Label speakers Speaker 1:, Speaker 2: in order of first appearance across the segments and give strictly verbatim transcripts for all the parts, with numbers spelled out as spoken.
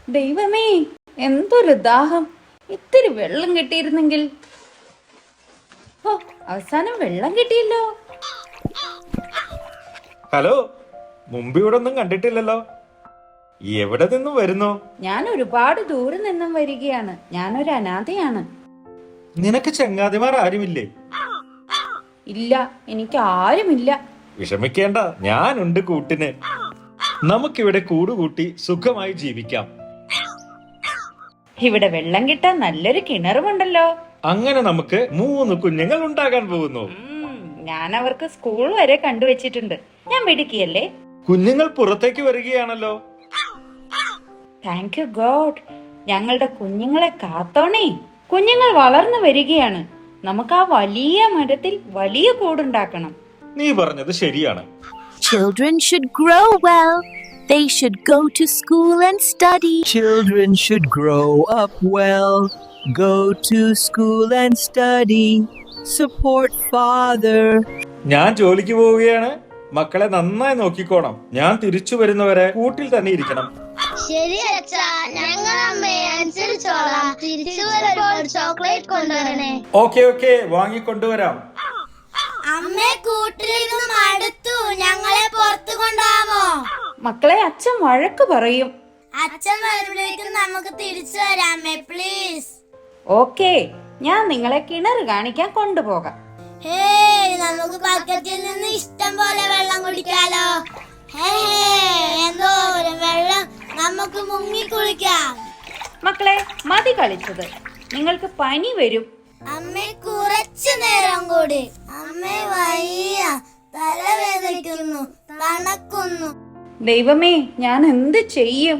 Speaker 1: ദൈവമേ, എന്തൊരു ദാഹം! ഇത്തിരി വെള്ളം കിട്ടിയിരുന്നെങ്കിൽ. ഓ, അവസാനം വെള്ളം കിട്ടിയല്ലോ.
Speaker 2: ഹലോ, മുമ്പ് ഇവിടെ ഒന്നും കണ്ടിട്ടില്ലല്ലോ. എവിടെ നിന്നും വരുന്നു?
Speaker 1: ഞാൻ ഒരുപാട് ദൂരെ നിന്നും വരികയാണ്. ഞാനൊരു അനാഥയാണ്.
Speaker 2: നിനക്ക് ചങ്ങാതിമാർ ആരുമില്ലേ?
Speaker 1: ഇല്ല, എനിക്ക് ആരുമില്ല.
Speaker 2: വിഷമിക്കേണ്ട, ഞാനുണ്ട് കൂട്ടിന്. നമുക്കിവിടെ കൂടുകൂട്ടി സുഖമായി ജീവിക്കാം.
Speaker 1: ഇവിടെ വെള്ളം കിട്ടാൻ നല്ലൊരു കിണറുമുണ്ടല്ലോ.
Speaker 2: അങ്ങനെ നമുക്ക് മൂന്ന് കുഞ്ഞുങ്ങൾ ഉണ്ടാകാൻ പോകുന്നു.
Speaker 1: ഉം, ഞാൻ അവർക്ക് സ്കൂൾ വരെ കണ്ടുവച്ചിട്ടുണ്ട്. ഞാൻ മിടുക്കിയല്ലേ?
Speaker 2: കുഞ്ഞുങ്ങൾ പുറത്തേക്ക് വരികയാണല്ലോ.
Speaker 1: Thank you God. ഞങ്ങളുടെ കുഞ്ഞുങ്ങളെ കാത്തോണേ. കുഞ്ഞുങ്ങൾ വളർന്നു വരികയാണ്. നമുക്ക് ആ വലിയ മരത്തിൽ വലിയ കൂടുണ്ടാക്കണം.
Speaker 2: നീ പറഞ്ഞത് ശരിയാണ്.
Speaker 3: Children should grow well. They should go to school and study.
Speaker 4: Children should grow up well, go to school and study. Support father.
Speaker 2: ഞാൻ ജോലിക്ക് പോവുകയാണ്. മക്കളെ നന്നായി നോക്കിക്കോണം. ഞാൻ തിരിച്ചു വരുന്നവരെ കൂട്ടിൽ തന്നെ ഇരിക്കണം.
Speaker 5: ശരി അച്ഛാ, ഞങ്ങൾ അമ്മയെ അനുസരിച്ചോളാം. തിരിച്ചു വരുമ്പോൾ ചോക്ലേറ്റ് കൊണ്ടുവരണേ.
Speaker 2: ഓക്കെ ഓക്കെ, വാങ്ങിക്കൊണ്ടുവരാം.
Speaker 5: അമ്മേ, കൂട്ടിലിരുന്ന് മടുത്തു. ഞങ്ങളെ പുറത്തു കൊണ്ടുപോകാമോ?
Speaker 1: മക്കളെ, അച്ഛൻ വഴക്ക് പറയും.
Speaker 5: അച്ഛൻ വരുമ്പോഴേക്കും നമുക്ക് തിരിച്ചു വരാമേ, പ്ലീസ്.
Speaker 1: ഓക്കെ, ഞാൻ നിങ്ങളെ കിണർ കാണിക്കാൻ കൊണ്ടുപോകാം.
Speaker 5: ഹേയ്, നമുക്ക് ബക്കറ്റിൽ നിന്ന് ഇഷ്ടം പോലെ വെള്ളം കുടിക്കാലോ. ഹേ, എന്തോരം വെള്ളം! നമുക്ക് മുങ്ങി കുളിക്കാം.
Speaker 1: മക്കളെ, മതി കളിച്ചത്. നിങ്ങൾക്ക് പനി വരും.
Speaker 5: അമ്മേ, കുറച്ചു നേരം കൂടി. അമ്മേ, വയ്യ, തലവേദനിക്കുന്നു, തണുക്കുന്നു.
Speaker 1: ദൈവമേ, ഞാൻ എന്ത് ചെയ്യും?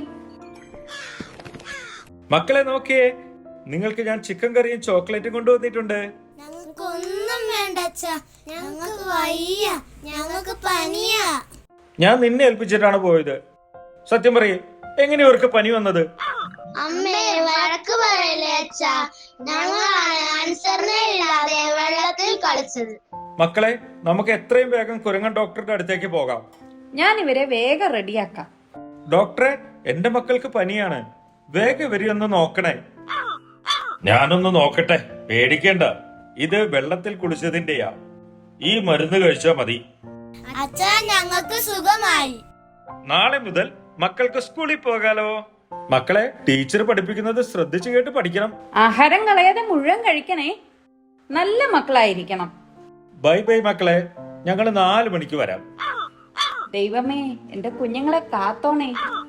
Speaker 2: മക്കളെ നോക്കിയേ, നിങ്ങൾക്ക് ഞാൻ ചിക്കൻ കറിയും ചോക്ലേറ്റും കൊണ്ടുവന്നിട്ടുണ്ട്.
Speaker 5: ഞങ്ങൾക്കൊന്നും വേണ്ട അച്ഛാ. ഞങ്ങൾക്ക് വയ്യ, ഞങ്ങൾക്ക് പനിയാ.
Speaker 2: ഞാൻ നിന്നെ ഏൽപ്പിച്ചിട്ടാണ് പോയത്. സത്യം പറയേ, എങ്ങനെ ഇവർക്ക് പനി വന്നത്?
Speaker 5: അമ്മേ, വഴക്ക് പറയല്ലേ അച്ഛാ. ഞങ്ങളാണ് അനുസരണയില്ലാതെ വെള്ളത്തിൽ കളിച്ചത്.
Speaker 2: മക്കളെ, നമുക്ക് എത്രയും വേഗം കുരങ്ങൻ ഡോക്ടറുടെ അടുത്തേക്ക് പോകാം.
Speaker 1: ഞാൻ ഇവരെ വേഗം റെഡിയാക്കാം.
Speaker 2: ഡോക്ടറെ, എന്റെ മക്കൾക്ക് പനിയാണ്. വേഗം ഇവരെയൊന്ന് നോക്കണേ. ഞാനൊന്ന് നോക്കട്ടെ, പേടിക്കേണ്ട. ഇത് വെള്ളത്തിൽ കുളിച്ചതിന്റെയാ. ഈ മരുന്ന് കഴിച്ചാ മതി.
Speaker 5: അച്ഛാ, ഞങ്ങൾക്ക് സുഖമായി.
Speaker 2: നാളെ മുതൽ മക്കൾക്ക് സ്കൂളിൽ പോകാലോ. മക്കളെ, ടീച്ചർ പഠിപ്പിക്കുന്നത് ശ്രദ്ധിച്ചു കേട്ട് പഠിക്കണം.
Speaker 1: ആഹാരം കളയാതെ മുഴുവൻ കഴിക്കണേ. നല്ല മക്കളായിരിക്കണം.
Speaker 2: ബൈ ബൈ മക്കളെ, ഞങ്ങൾ നാലു മണിക്ക് വരാം.
Speaker 1: ദൈവമേ, എന്റെ കുഞ്ഞുങ്ങളെ കാത്തോണേ.